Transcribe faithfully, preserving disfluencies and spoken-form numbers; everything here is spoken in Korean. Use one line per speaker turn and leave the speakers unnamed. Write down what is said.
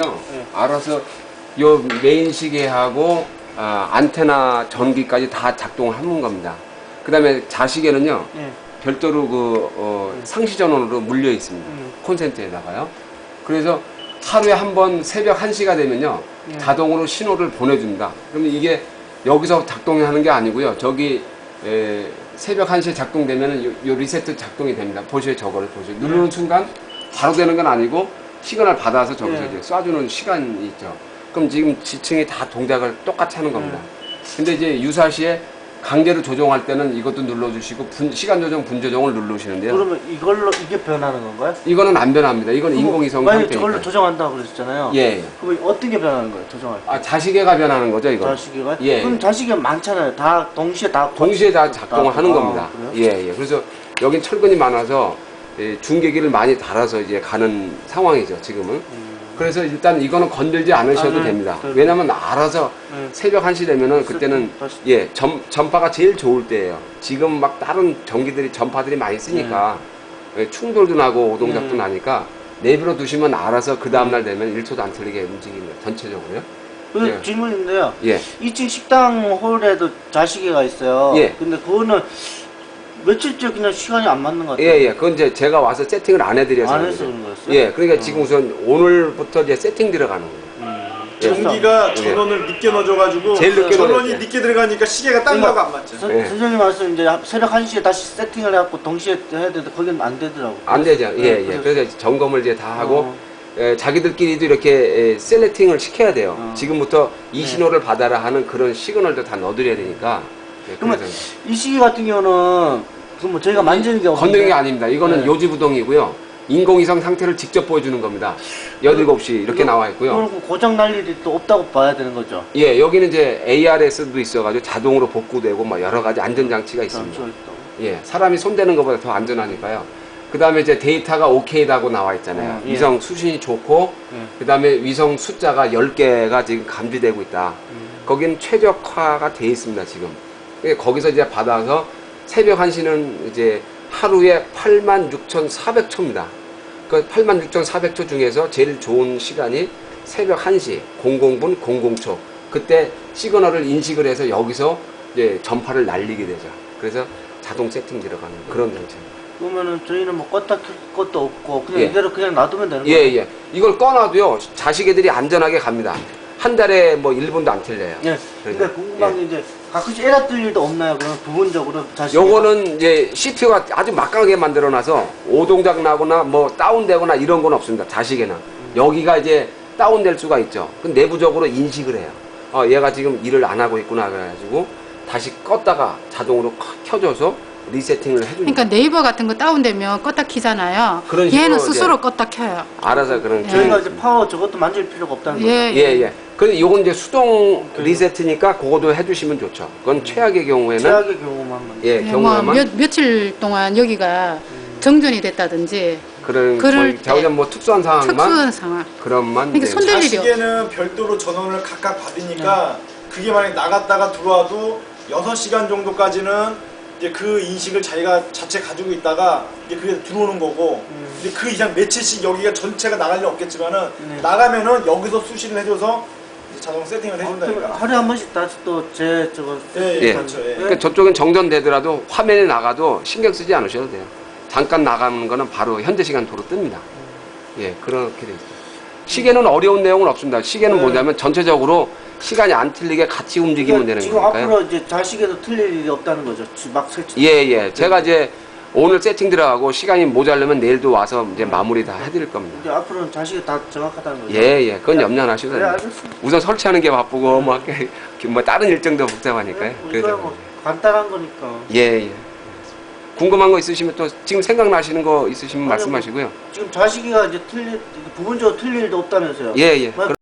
시계는요,
네.
알아서 요 메인 시계하고 아, 안테나 전기까지 다 작동을 하는 겁니다. 그 다음에 자시계는요,
네.
별도로 그 어,
네.
상시 전원으로 물려 있습니다.
네.
콘센트에다가요. 그래서 하루에 한 번 새벽 한 시가 되면요,
네.
자동으로 신호를 보내줍니다. 그러면 이게 여기서 작동하는 게 아니고요. 저기 에, 새벽 한 시에 작동되면 요, 요 리세트 작동이 됩니다. 보시에 저거를 보시요 누르는
네.
순간 바로 되는 건 아니고 시그널 받아서 저기서
네.
이제 쏴주는 시간이 있죠. 그럼 지금 지층이 다 동작을 똑같이 하는 겁니다. 근데 이제 유사시에 강제로 조정할 때는 이것도 눌러주시고 분, 시간 조정, 분 조정을 누르시는데요.
그러면 이걸로 이게 변하는 건가요?
이거는 안 변합니다. 이거는 인공위성
만약에
상태니까.
저걸로 조정한다고 그러셨잖아요.
예, 예.
그럼 어떤 게 변하는 거예요? 조정할 때?
아, 자시계가 변하는 거죠, 이거.
자시계가?
예.
그럼 자시계가 많잖아요. 다 동시에 다
동시에 다 작동을
다-
하는
아,
겁니다.
그래요?
예, 예. 그래서 여긴 철근이 많아서 예, 중계기를 많이 달아서 이제 가는 상황이죠, 지금은.
음.
그래서 일단 이거는 건들지 않으셔도
아, 네.
됩니다.
네.
왜냐면 알아서
네.
새벽 한 시 되면은 그때는
다시-
예, 전, 전파가 제일 좋을 때예요. 지금 막 다른 전기들이, 전파들이 많이 쓰니까 예, 충돌도 나고 오동작도
네.
나니까 내버려 두시면 알아서 그 다음날 되면 일 초도 안 틀리게 움직입니다. 전체적으로요.
그
예.
질문인데요.
예.
이 층 식당 홀에도 자시계가 있어요.
예.
근데 그거는 며칠째 그냥 시간이 안 맞는 것 같아요.
예, 예. 그건 이제 제가 와서 세팅을 안 해드려서.
안 해서
그러죠.
그런 거였어요?
예, 그러니까
어.
지금 우선 오늘부터 이제 세팅 들어가는 거예요.
음.
전기가
예.
전원을 늦게 넣어줘가지고
제일 늦게
전원이
넣어줬어요.
늦게 들어가니까 시계가 딴
그러니까
거하고 안 맞죠.
선-
예.
선생님 말씀 이제 새벽 한 시에 다시 세팅을 해갖고 동시에 해야 되는데 거기는 안 되더라고요.
안 되죠. 예,
네,
예.
그래서-
그래서 점검을 이제 다 하고,
어.
예, 자기들끼리도 이렇게 예, 셀렉팅을 시켜야 돼요.
어.
지금부터 이
네.
신호를 받아라 하는 그런 시그널도 다 넣어드려야 되니까. 예,
그러면
그래서
이 시기 같은 경우는 그 뭐 저희가 만지는 게 없는데
건드리는 게 아닙니다. 이거는
네.
요지부동이고요. 인공위성 상태를 직접 보여주는 겁니다. 열일곱 시 이렇게 나와 있고요.
그럼 고장 날 일이 또 없다고 봐야 되는 거죠.
예, 여기는 이제 에이알에스도 있어가지고 자동으로 복구되고 막 여러 가지 안전장치가 있습니다.
장치가 있다고.
예, 사람이 손대는 것보다 더 안전하니까요. 그 다음에 이제 데이터가 오케이라고 나와 있잖아요.
어, 예.
위성 수신이 좋고,
예.
그 다음에 위성 숫자가 열 개가 지금 감지되고 있다.
음.
거긴 최적화가 돼 있습니다, 지금. 그러니까 거기서 이제 받아서 새벽 한 시는 이제 하루에 팔만 육천사백 초입니다. 그 팔만 육천사백 초 중에서 제일 좋은 시간이 새벽 한 시, 공공 분, 공공 초. 그때 시그널을 인식을 해서 여기서 이제 전파를 날리게 되죠. 그래서 자동 세팅 들어가는 그런 장치입니다.
그러면은 저희는 뭐 껐다 켤 것도 없고 그냥
예.
이대로 그냥 놔두면 되는
예,
거예요.
예. 이걸 꺼놔도요, 자식애들이 안전하게 갑니다. 한 달에 뭐 일 분도 안 틀려요.
예. 근데 궁금한 게 이제 가끔씩 에러 뜰 일도 없나요? 그럼 부분적으로 자식.
요거는 이제 씨피유가 아주 막강하게 만들어놔서 오동작 나거나 뭐 다운되거나 이런 건 없습니다. 자식에는. 여기가 이제 다운될 수가 있죠. 그 내부적으로 인식을 해요. 어, 얘가 지금 일을 안 하고 있구나 그래가지고 다시 껐다가 자동으로 켜줘서 리세팅을 해줍니다.
그러니까 네이버 같은 거 다운되면 껐다 키잖아요.
그런 식으로
얘는
이제
스스로 껐다 켜요.
알아서 그런
예.
저희가 이제 파워 저것도 만질 필요가 없다는 거죠.
예,
예, 예. 근데 요건 이제 수동
그래요?
리세트니까 그거도 해주시면 좋죠. 그건 최악의 경우에는
최악의 경우만 만.
예,
예, 뭐
경우에만
몇, 며칠 동안 여기가 정전이 됐다든지
그런
그럴
뭐 자우전 뭐 특수한 상황만
특수한 상황.
그런만
그러니까
이제
손 댈 일이
자식에는 별도로 전원을 각각 받으니까 그게 만약 나갔다가 들어와도 여섯 시간 정도까지는 이제 그 인식을 자기가 자체 가지고 있다가 이제 그게 들어오는 거고
음.
이제 그 이상 며칠씩 여기가 전체가 나갈 일 없겠지만은
네.
나가면은 여기서 수신을 해줘서 이제 자동 세팅을
아,
해준다니까.
하루에 한 번씩 다시 또 제 저거.
예,
예.
그렇죠. 예.
그러니까 저쪽은 정전되더라도 화면에 나가도 신경 쓰지 않으셔도 돼요. 잠깐 나가는 거는 바로 현재 시간도로 뜹니다. 예, 그렇게 돼 있어요. 시계는 어려운 내용은 없습니다. 시계는
네.
뭐냐면 전체적으로 시간이 안 틀리게 같이 움직이면
그러니까
되는
지금
거니까요.
앞으로 이제 자식에도 틀릴 일이 없다는 거죠. 지- 막 설치.
예, 예. 제가 이제 오늘 세팅 들어가고 시간이 모자르면 내일도 와서 이제 마무리 다 해드릴 겁니다.
이제 앞으로는 자식이 다 정확하다는 거죠.
예, 예. 그건 염려 안 하셔도
그래
돼요.
알겠습니다.
우선 설치하는 게 바쁘고 뭐, 뭐 다른 일정도 복잡하니까요.
뭐
그래서
이거야 뭐 간단한 거니까.
예, 예. 궁금한 거 있으시면 또 지금 생각나시는 거 있으시면
아니요,
말씀하시고요.
지금 자식이가 이제 틀릴 부분적으로 틀릴 일도 없다면서요.
예, 예.
뭐